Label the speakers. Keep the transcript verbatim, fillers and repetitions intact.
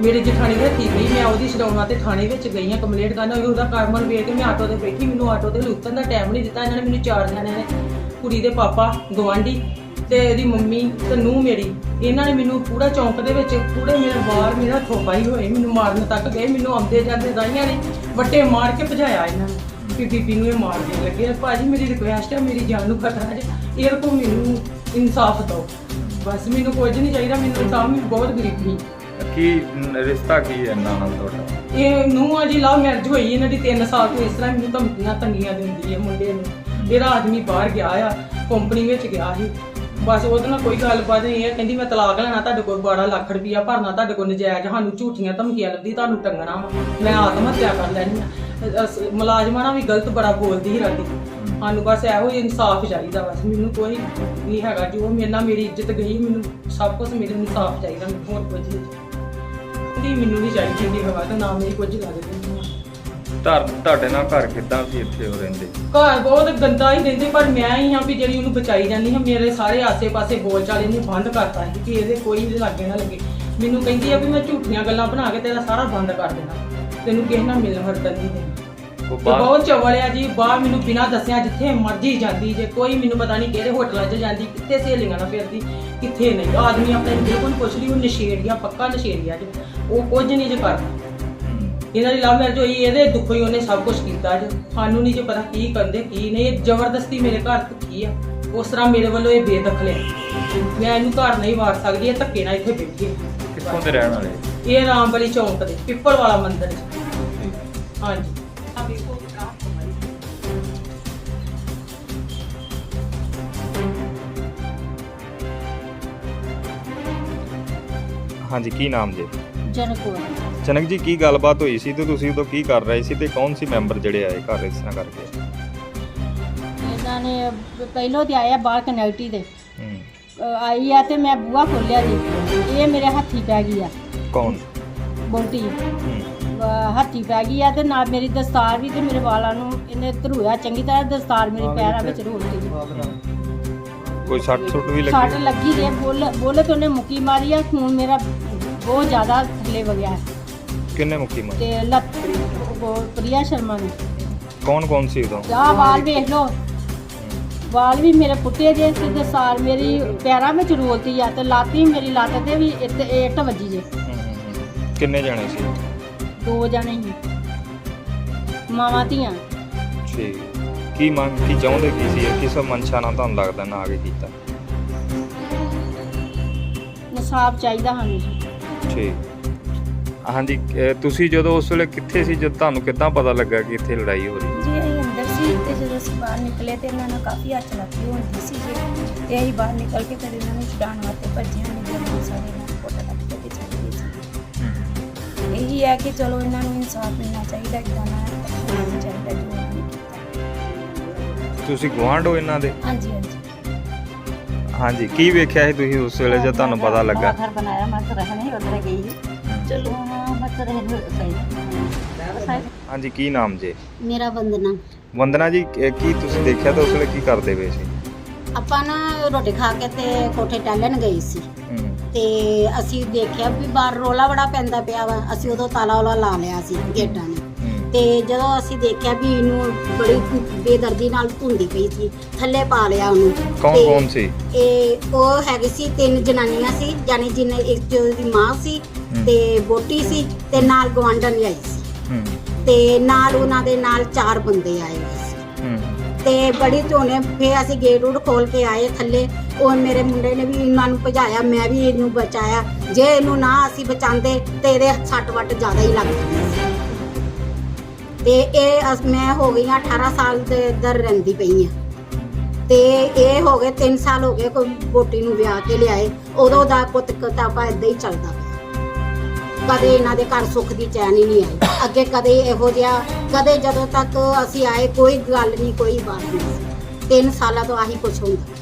Speaker 1: ਮੇਰੇ ਜਠਾਣੀ ਦੇ ਹੱਥੀ ਗਈ, ਮੈਂ ਉਹਦੀ ਛਡਾਉਣਾ ਤੇ ਥਾਣੇ ਵਿੱਚ ਗਈ ਹਾਂ ਕੰਪਲੇਂਟ ਕਰਨ। ਉਹਦਾ ਕਾਰਮਨ ਵੇਖ ਕੇ ਮੈਂ ਆਟੋ ਤੇ ਬੈਠੀ, ਮੈਨੂੰ ਆਟੋ ਤੇ ਲੁੱਟਣ ਦਾ ਟਾਈਮ ਨਹੀਂ ਦਿੱਤਾ ਇਹਨਾਂ ਨੇ। ਮੈਨੂੰ ਚਾਰ ਜਣਿਆਂ ਨੇ, ਕੁੜੀ ਦੇ ਪਾਪਾ, ਗਵਾਂਢੀ ਤੇ ਇਹਦੀ ਮੰਮੀ ਤੇ ਨੂੰਹ ਮੇਰੀ, ਇਹਨਾਂ ਨੇ ਮੈਨੂੰ ਪੂਰਾ ਚੌਂਕ ਦੇ ਵਿੱਚ ਪੂਰੇ ਮੇਰੇ ਬਾਹਰ ਮੇਰਾ ਹੱਥੋਂ ਪਾਈ ਹੋਏ, ਮੈਨੂੰ ਮਾਰਨ ਤੱਕ ਗਏ। ਮੈਨੂੰ ਆਉਂਦੇ ਜਾਂਦੇ ਦਾਈਆਂ ਨੇ ਵੱਟੇ ਮਾਰ ਕੇ ਭਜਾਇਆ ਇਹਨਾਂ ਨੇ ਕਿ ਬੀਬੀ ਨੂੰ ਇਹ ਮਾਰ ਦੇ ਲੱਗੇ। ਭਾਜੀ ਮੇਰੀ ਰਿਕੁਐਸਟ ਹੈ, ਮੇਰੀ ਜਾਨ ਨੂੰ ਖਤਰਾ ਹੈ, ਇਹ ਕੋ ਮੈਨੂੰ ਇਨਸਾਫ ਦਿਓ ਬਸ, ਮੈਨੂੰ ਕੁਝ ਨਹੀਂ ਚਾਹੀਦਾ। ਮੈਨੂੰ ਤਾਂ ਮੈਂ ਬਹੁਤ ਗਰੀਬੀ।
Speaker 2: ਕੀ ਰਿਸ਼ਤਾ ਕੀ ਹੈ ਇਹਨਾਂ ਨਾਲ ਤੁਹਾਡਾ?
Speaker 1: ਇਹ ਨੂੰਹ ਆ ਜੀ, ਲਵ ਮੈਰਿਜ ਹੋਈ ਇਹਨਾਂ ਦੀ ਤਿੰਨ ਸਾਲ ਤੋਂ। ਇਸ ਤਰ੍ਹਾਂ ਮੈਨੂੰ ਧਮਕੀਆਂ ਤੰਗੀਆਂ ਦਿੰਦੀ ਹੈ ਮੁੰਡੇ ਨੂੰ। ਇਹਦਾ ਆਦਮੀ ਬਾਹਰ ਗਿਆ ਆ, ਕੰਪਨੀ ਵਿੱਚ ਗਿਆ ਸੀ, ਬਸ ਉਹਦੇ ਨਾਲ ਕੋਈ ਗੱਲਬਾਤ ਨਹੀਂ ਹੈ। ਕਹਿੰਦੀ ਮੈਂ ਤਲਾਕ ਲੈਣਾ, ਤੁਹਾਡੇ ਕੋਲ ਬਾਰਾਂ ਲੱਖ ਰੁਪਈਆ ਭਰਨਾ, ਤੁਹਾਡੇ ਕੋਲ ਨਜਾਇਜ਼ ਸਾਨੂੰ ਝੂਠੀਆਂ ਧਮਕੀਆਂ ਲੱਭਦੀ, ਤੁਹਾਨੂੰ ਟੰਗਣਾ ਵਾ, ਮੈਂ ਆਤਮ ਹੱਤਿਆ ਕਰ ਲੈਣੀ ਆ। ਮੁਲਾਜ਼ਮਾਂ ਨਾਲ ਵੀ ਗਲਤ ਬੜਾ ਬੋਲਦੀ ਸੀ ਰਾਤੀ। ਸਾਨੂੰ ਬਸ ਇਹੋ ਹੀ ਇਨਸਾਫ ਚਾਹੀਦਾ ਬਸ, ਮੈਨੂੰ ਕੋਈ ਨਹੀਂ ਹੈਗਾ। ਜੋ ਮੇਰੇ ਨਾਲ ਮੇਰੀ ਇੱਜ਼ਤ ਗਈ, ਮੈਨੂੰ ਸਭ ਕੁਝ ਮੇਰੇ ਇਨਸਾਫ ਚਾਹੀਦਾ, ਮੈਨੂੰ ਹੋਰ ਕੁਝ ਨਹੀਂ। ਮੈਨੂੰ ਨਹੀਂ ਚਾਹੀਦੀ ਇੰਨੀ ਹਵਾ ਤਾਂ ਨਾ ਮੇਰੀ ਕੁਝ ਲੱਗਦੀ।
Speaker 2: ਘਰ ਤੁਹਾਡੇ ਨਾਲ ਘਰ ਕਿੱਦਾਂ ਸੀ ਇੱਥੇ ਉਹ ਰਹਿੰਦੇ?
Speaker 1: ਘਰ ਬਹੁਤ ਗੰਦਾ ਹੀ ਰਹਿੰਦੇ, ਪਰ ਮੈਂ ਹੀ ਹਾਂ ਵੀ ਜਿਹੜੀ ਉਹਨੂੰ ਬਚਾਈ ਜਾਂਦੀ ਹਾਂ। ਮੇਰੇ ਸਾਰੇ ਆਸੇ-ਪਾਸੇ ਬੋਲ ਚਾਲ ਇਹਨੇ ਬੰਦ ਕਰਤਾ ਸੀ ਕਿ ਇਹਦੇ ਕੋਈ ਵੀ ਲਾਗੇ ਨਾ ਲੱਗੇ। ਮੈਨੂੰ ਕਹਿੰਦੀ ਆ ਵੀ ਮੈਂ ਝੂਠੀਆਂ ਗੱਲਾਂ ਬਣਾ ਕੇ ਤੇਰਾ ਸਾਰਾ ਬੰਦ ਕਰ ਦੇਣਾ, ਤੈਨੂੰ ਕਿਸੇ ਨਾਲ ਮਿਲਣ ਵਰਤਨ ਨਹੀਂ ਦੇਣਾ। ਬਹੁਤ ਚਵਲ ਆ ਜੀ, ਬਾਹਰ ਮੈਨੂੰ ਬਿਨਾਂ ਦੱਸਿਆ ਜਿੱਥੇ ਮਰਜੀ ਜਾਂਦੀ ਜੇ, ਕੋਈ ਮੈਨੂੰ ਪਤਾ ਨਹੀਂ ਕਿਹੜੇ ਹੋਟਲਾਂ 'ਚ ਜਾਂਦੀ, ਕਿੱਥੇ ਸਹੇਲੀਆਂ ਨਾਲ ਫਿਰਦੀ, ਕਿੱਥੇ ਨਹੀਂ। ਆਦਮੀ ਆਪਣੇ ਬਿਲਕੁਲ ਪੁੱਛ ਲਈ, ਉਹ ਨਸ਼ੇੜੀਆ, ਪੱਕਾ ਨਸ਼ੇੜੀਆ ਜੀ, ਉਹ ਕੁਝ ਨਹੀਂ ਜੇ ਕਰਦਾ। ਇਹਨਾਂ ਦੀ ਲਵ ਮੈਰਿਜ ਹੋਈ, ਇਹਦੇ ਦੁੱਖੋਂ ਹੀ ਉਹਨੇ ਸਭ ਕੁਝ ਕੀਤਾ ਜੀ। ਸਾਨੂੰ ਨਹੀਂ ਜੇ ਪਤਾ ਕੀ ਕਰਦੇ ਕੀ ਨਹੀਂ। ਇਹ ਜ਼ਬਰਦਸਤੀ ਮੇਰੇ ਘਰ ਧੱਕੀ ਆ, ਉਸ ਤਰ੍ਹਾਂ ਮੇਰੇ ਵੱਲੋਂ ਇਹ ਬੇਦਖਲ ਹੈ। ਮੈਂ ਇਹਨੂੰ ਘਰ ਨਹੀਂ ਵਾਰ ਸਕਦੀ, ਇਹ ਧੱਕੇ ਨਾਲ ਇੱਥੇ ਬੈਠੀ ਹੈ।
Speaker 2: ਕਿੱਥੋਂ ਦੇ ਰਹਿਣ ਵਾਲੇ?
Speaker 1: ਇਹ ਰਾਮਬਲੀ ਚੌਂਕ ਦੇ ਪਿੱਪਲ ਵਾਲਾ ਮੰਦਿਰ 'ਚ। ਹਾਂਜੀ
Speaker 2: ਹਾਂਜੀ, ਕੀ ਨਾਮ ਜੀ?
Speaker 3: ਜਨਕ
Speaker 2: ਜਨਕ ਜੀ, ਕੀ ਗੱਲਬਾਤ ਹੋਈ ਸੀ ਤੇ ਤੁਸੀਂ ਉਦੋਂ ਕੀ ਕਰ ਰਹੇ ਸੀ ਤੇ ਕੌਣ ਸੀ ਮੈਂਬਰ ਜਿਹੜੇ ਆਏ ਘਰ ਇਸ ਤਰ੍ਹਾਂ ਕਰਕੇ?
Speaker 3: ਇਹਨਾਂ ਨੇ ਪਹਿਲੋਂ ਤੇ ਆਇਆ ਬਾਹਰ ਕਨੈਕਟੀ ਦੇ
Speaker 2: ਹੂੰ।
Speaker 3: ਅਹ ਆਈ ਆ ਤੇ ਮੈਂ ਬੂਹਾ ਖੋਲਿਆ ਜੀ, ਇਹ ਮੇਰੇ ਹੱਥੀ ਪੈ ਗਈ ਆ।
Speaker 2: ਕੌਣ?
Speaker 3: ਬੋਟੀ
Speaker 2: ਹੂੰ।
Speaker 3: ਹੱਥੀ ਪੈ ਗਈ ਆ ਤੇ ਨਾਲ ਮੇਰੀ ਦਸਤਾਰ ਵੀ ਤੇ ਮੇਰੇ ਵਾਲਾਂ ਨੂੰ ਇਹਨੇ ਧਰੂਆ ਚੰਗੀ ਤਰ੍ਹਾਂ। ਦਸਤਾਰ ਮੇਰੀ ਪੈਰਾਂ ਵਿੱਚ ਰੋਲਤੀ ਜੀ।
Speaker 2: ਕੋਈ ਸੱਟ ਸੁੱਟ ਵੀ
Speaker 3: ਸੱਟ
Speaker 2: ਲੱਗੀ?
Speaker 3: ਲੱਗੀ ਜੇ, ਬੋਲ ਬੋਲੇ ਤੇ ਉਹਨੇ ਮੁੱਕੀ ਮਾਰੀ ਆ। ਖੂਨ ਮੇਰਾ ਬਹੁਤ ਜ਼ਿਆਦਾ ਥੱਲੇ ਵਗਿਆ
Speaker 2: ਕਿੰਨੇ ਮੁੱਕੀ ਮਾਰੀ?
Speaker 3: ਤੇ ਲੱਤ ਉਹ ਪ੍ਰਿਆ ਸ਼ਰਮਾ ਨੇ।
Speaker 2: ਕੌਣ ਕੌਣ ਸੀ ਉਦੋਂ?
Speaker 3: ਆਹ ਵਾਲ ਵੇਖ ਲਓ, ਵਾਲ ਵੀ ਮੇਰੇ ਪੁੱਟੇ ਜੇ ਤੇ ਦਸਤਾਰ ਮੇਰੀ ਪੈਰਾਂ ਵਿੱਚ ਰੋਲਤੀ ਆ ਤੇ ਲਾਤੀ ਮੇਰੀ ਲੱਤ ਤੇ ਵੀ ਇੱਟ ਇੱਟ ਵੱਜੀ ਜੇ।
Speaker 2: ਹੂੰ, ਹੂੰ, ਹੂੰ। ਕਿੰਨੇ ਜਾਣੇ ਸੀ?
Speaker 3: ਦੋ ਜਣੇ ਹੀ ਮਾਵਾਂ ਧੀਆਂ।
Speaker 2: ਠੀਕ। ਕੀ ਮੰਗ ਕੀ ਚਾਹੁੰਦੇ ਕੀ ਸੀ? ਕਿਸ ਮਨਸ਼ਾ ਨਾਲ ਤੁਹਾਨੂੰ ਲੱਗਦਾ ਨਾ ਆਗੇ ਕੀਤਾ?
Speaker 3: ਇਨਸਾਫ ਚਾਹੀਦਾ ਸਾਨੂੰ।
Speaker 2: ਠੀਕ। ਹਾਂਜੀ, ਅਹ ਤੁਸੀਂ ਜਦੋਂ ਉਸ ਵੇਲੇ ਕਿੱਥੇ ਸੀ, ਜਦ ਤੁਹਾਨੂੰ ਕਿੱਦਾਂ ਪਤਾ ਲੱਗਾ ਕਿ ਇੱਥੇ ਲੜਾਈ ਹੋ ਰਹੀ?
Speaker 4: ਜੀ ਅਸੀਂ ਅੰਦਰ ਸੀ ਤੇ ਜਦੋਂ ਅਸੀਂ ਬਾਹਰ ਨਿਕਲੇ ਤੇ ਇਹਨਾਂ ਨਾਲ ਕਾਫੀ ਹੱਥ ਲੱਗੀ ਹੁੰਦੀ ਸੀ ਜੀ, ਤੇ ਅਸੀਂ ਬਾਹਰ ਨਿਕਲ ਕੇ ਫਿਰ ਇਹਨਾਂ ਨੂੰ ਛਡਾਉਣ ਵਾਸਤੇ ਭੱਜਿਆ। ਨਹੀਂ ਜਦੋਂ ਸਾਰੇ ਇਹਨਾਂ ਨੂੰ ਫੋਟੋ ਕੱਟ ਕੇ ਚਲੇ ਗਏ ਸੀ। ਇਹੀ ਹੈ ਕਿ ਚਲੋ ਇਹਨਾਂ ਨੂੰ ਇਨਸਾਫ ਮਿਲਣਾ ਚਾਹੀਦਾ, ਇੱਦਾਂ ਨਾ ਹੋਣਾ ਚਾਹੀਦਾ ਜੋ ਇਹਨਾਂ ਨੇ ਕੀਤਾ।
Speaker 2: ਤੁਸੀਂ ਗੁਆਂਢ ਹੋ ਇਹਨਾਂ ਦੇ?
Speaker 4: ਹਾਂਜੀ ਹਾਂਜੀ।
Speaker 2: ਹਾਂਜੀ, ਕੀ ਵੇਖਿਆ ਸੀ ਤੁਸੀਂ ਉਸ ਵੇਲੇ ਜਦ ਤੁਹਾਨੂੰ ਪਤਾ ਲੱਗਾ?
Speaker 5: घर बनाया मैं तो रहने उधर गई चलो हाँ मैं तो रहने सही।
Speaker 2: ਹਾਂਜੀ, ਕੀ ਨਾਮ ਜੇ?
Speaker 3: ਮੇਰਾ ਵੰਦਨਾ।
Speaker 2: ਵੰਦਨਾ ਜੀ, ਇਹ ਕੀ ਤੁਸੀਂ ਦੇਖਿਆ ਤਾਂ ਉਸ ਵੇਲੇ ਕੀ ਕਰਦੇ ਪਏ ਸੀ?
Speaker 3: ਆਪਾਂ ਨਾ ਰੋਟੀ ਖਾ ਕੇ ਤੇ ਕੋਠੇ ਟਹਿਲਣ ਗਏ ਸੀ
Speaker 2: ਹੂੰ।
Speaker 3: ਤੇ ਅਸੀਂ ਦੇਖਿਆ ਵੀ ਬਾਹਰ ਰੋਲਾ ਬੜਾ ਪੈਂਦਾ ਪਿਆ ਵਾ। ਅਸੀਂ ਉਦੋਂ ਤਾਲਾ ਵਾਲਾ ਲਾ ਲਿਆ ਸੀ ਗੇਟਾਂ ਨੇ। ਤੇ ਜਦੋਂ ਅਸੀਂ ਦੇਖਿਆ ਵੀ ਇਹਨੂੰ ਬੜੀ ਬੇਦਰਦੀ ਨਾਲ ਧੁੰਦੀ ਪਈ ਸੀ, ਥੱਲੇ ਪਾ ਲਿਆ ਉਹਨੂੰ।
Speaker 2: ਕੌਣ
Speaker 3: ਤੇ
Speaker 2: ਕੌਣ ਸੀ?
Speaker 3: ਇਹ ਉਹ ਹੈਗੀ ਸੀ, ਤਿੰਨ ਜਨਾਨੀਆਂ ਸੀ, ਜਾਨੀ ਜਿਹਨੇ ਇੱਕ ਤੇ ਉਹਦੀ ਮਾਂ ਸੀ ਤੇ ਬੋਟੀ ਸੀ ਤੇ ਨਾਲ ਗਵਾਂਢਣ ਆਈ ਸੀ।
Speaker 2: ਹੂੰ।
Speaker 3: ਤੇ ਨਾਲ ਉਹਨਾਂ ਦੇ ਨਾਲ ਚਾਰ ਬੰਦੇ ਆਏ ਹੋਏ ਸੀ।
Speaker 2: ਹੂੰ।
Speaker 3: ਤੇ ਬੜੀ ਧੋਨੇ ਫੇ ਅਸੀਂ ਗੇਟ ਉਡ ਖੋਲ ਕੇ ਆਏ ਥੱਲੇ। ਉਹ ਮੇਰੇ ਮੁੰਡੇ ਨੇ ਵੀ ਇਹਨਾਂ ਨੂੰ ਭਜਾਇਆ, ਮੈਂ ਵੀ ਇਹਨੂੰ ਬਚਾਇਆ। ਜੇ ਇਹਨੂੰ ਨਾ ਅਸੀਂ ਬਚਾਉਂਦੇ ਤੇ ਇਹਦੇ ਸੱਟ ਵੱਟ ਜ਼ਿਆਦਾ ਹੀ ਲੱਗ ਜਾਂਦੀ ਸੀ। ਤੇ ਇਹ ਅਸ- ਮੈਂ ਹੋ ਗਈ ਹਾਂ ਅਠਾਰਾਂ ਸਾਲ ਦੇ ਇੱਧਰ ਰਹਿੰਦੀ ਪਈ ਹਾਂ ਤੇ ਇਹ ਹੋ ਗਏ ਤਿੰਨ ਸਾਲ ਹੋ ਗਏ ਕੋਈ ਬੋਟੀ ਨੂੰ ਵਿਆਹ ਕੇ ਲਿਆਏ। ਉਦੋਂ ਦਾ ਪੁੱਤ ਕਿਤਾਬਾ ਏਦਾਂ ਹੀ ਚੱਲਦਾ ਪਿਆ। ਕਦੇ ਇਹਨਾਂ ਦੇ ਘਰ ਸੁੱਖ ਦੀ ਚੈਨ ਹੀ ਨਹੀਂ ਆਈ ਅੱਗੇ, ਕਦੇ ਇਹੋ ਜਿਹਾ ਕਦੇ ਜਦੋਂ ਤੱਕ ਅਸੀਂ ਆਏ ਕੋਈ ਗੱਲ ਨਹੀਂ, ਕੋਈ ਬਾਤ ਨਹੀਂ। ਤਿੰਨ ਸਾਲਾਂ ਤੋਂ ਆਹੀ ਕੁਛ ਹੁੰਦਾ।